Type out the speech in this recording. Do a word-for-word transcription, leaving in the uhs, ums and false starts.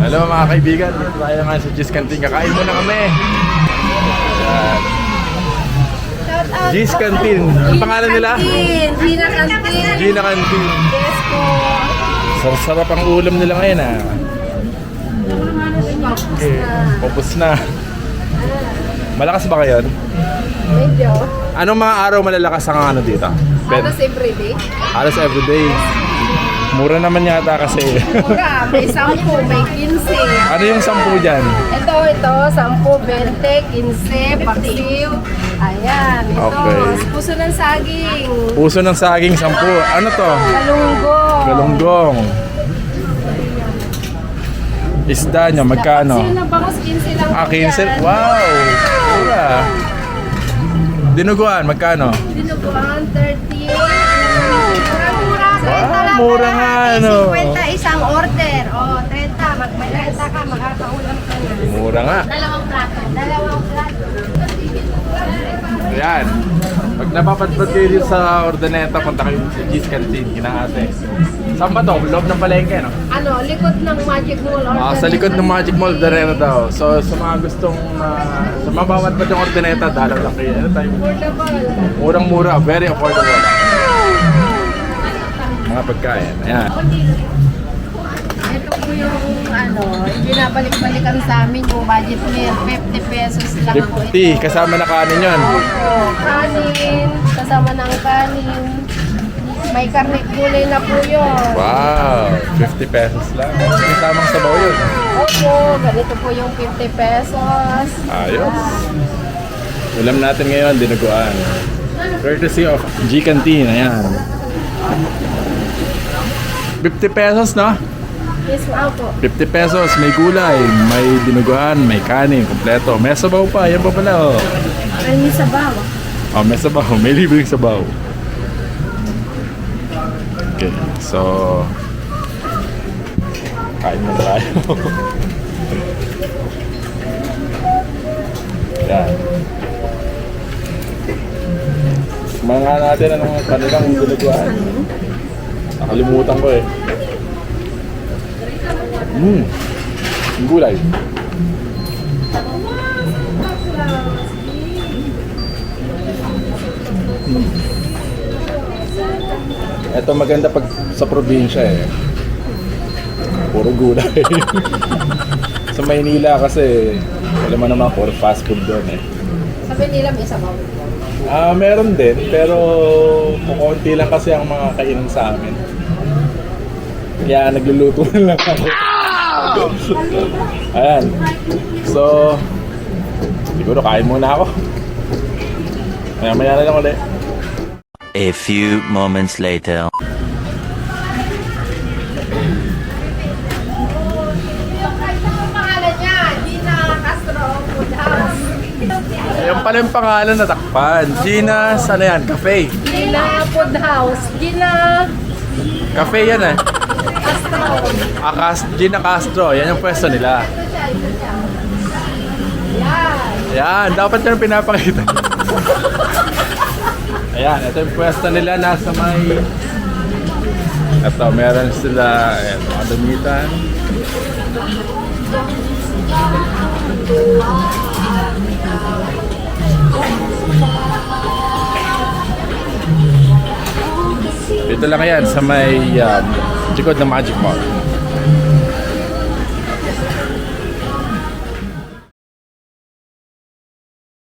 Hello mga kaibigan, dito tayo nga sa G's Canteen. Kakain muna kami. Yan. G's Canteen. Ang pangalan nila? Gina Canteen. Gina Canteen. Yes po. Sarap ang ulam nila ngayon ah. Okay, popos na. Malakas ba kayo? Medyo. Anong mga araw malalakas ang ano dito? Halos everyday. Halos everyday. Mura naman yata kasi. Mura. May sampu, may kinse. Ano yung sampu dyan? Ito, ito. Sampu, bente, kinse, paksiw. Ayan. Ito. Okay. Puso ng saging. Puso ng saging, sampu. Ano to? Galunggong. Galunggong. Isda nyo, magkano? Paksiw na bangos, kinse lang Ah, po quince. yan. Wow! Mura. Dinuguan, magkano? Dinuguan, thirty. Mura-mura. Wow, mura nga, ano? fifty isang order. O, oh, thirty. Mag-may thirty ka, makakaulam ka na. Mura nga. Dalawang plato. Dalawang plato. Ayan. Pag napapadpad kayo dito sa Ordaneta, punta kayo sa G's Canteen, kinaate. Saan ba to? Loob ng palengke, no? Ano, likod ng Magic Mall. Ah, sa likod ng Magic Mall, Ordaneta daw. So, sa mga gustong, uh, sa mga mapadpad yung Ordaneta, dalaw lang kayo. Ano tayo? Affordable. Murang-mura, very affordable. Mga pagkain. Ayan. Ito po yung ano, binabalik-balikan sa amin yung budget meal. fifty pesos lang po ito. fifty, kasama na kanin yun. Opo, kanin, kasama ng kanin. May karne gulay na po yun. Wow, fifty pesos lang. Kasamang sabaw yun. Opo, ganito po yung fifty pesos. Ayos. Ulam natin ngayon, dinuguan. Courtesy of G Canteen, ayan. fifty pesos, no? Yes, wow po. fifty pesos, may gulay, may dinuguan, may kanin, kompleto. May sabaw pa, yan pa pala, oh. Ay, may sabaw. Oh, may sabaw, may libreng sabaw. Okay, so... Kain na tayo. Yan. Mga natin anong kanilang dinuguan. Nakalimutan ko eh. Mmm. Yung gulay. Mm. Ito maganda pag sa probinsya eh. Puro gulay. Sa Maynila kasi wala man naman puro fast food doon eh. Sabi nila may sabaw. Ah, meron din pero kukunti lang kasi ang mga kainan sa amin. Kaya nagluluto na lang ako. Ayan. So, siguro kain muna ako. Maya-maya na lang ulit. A few moments later. Ang pangalan niya, Gina Castro Food House. Yung pala yung pangalan na takpan. Gina, ano yan? Cafe. Gina Food House. Gina Cafe yan eh. Castro. Ah, Cas- Gina Castro. Yan yung pwesto nila. Ito siya, ito siya. Yan. Ayan, dapat yan pinapakita. Ayan, ito yung pwesto nila. Nasa may... Ito, meron sila... Ayan, mga damitan. Dito lang yan sa may um, likod ng Magic Mall.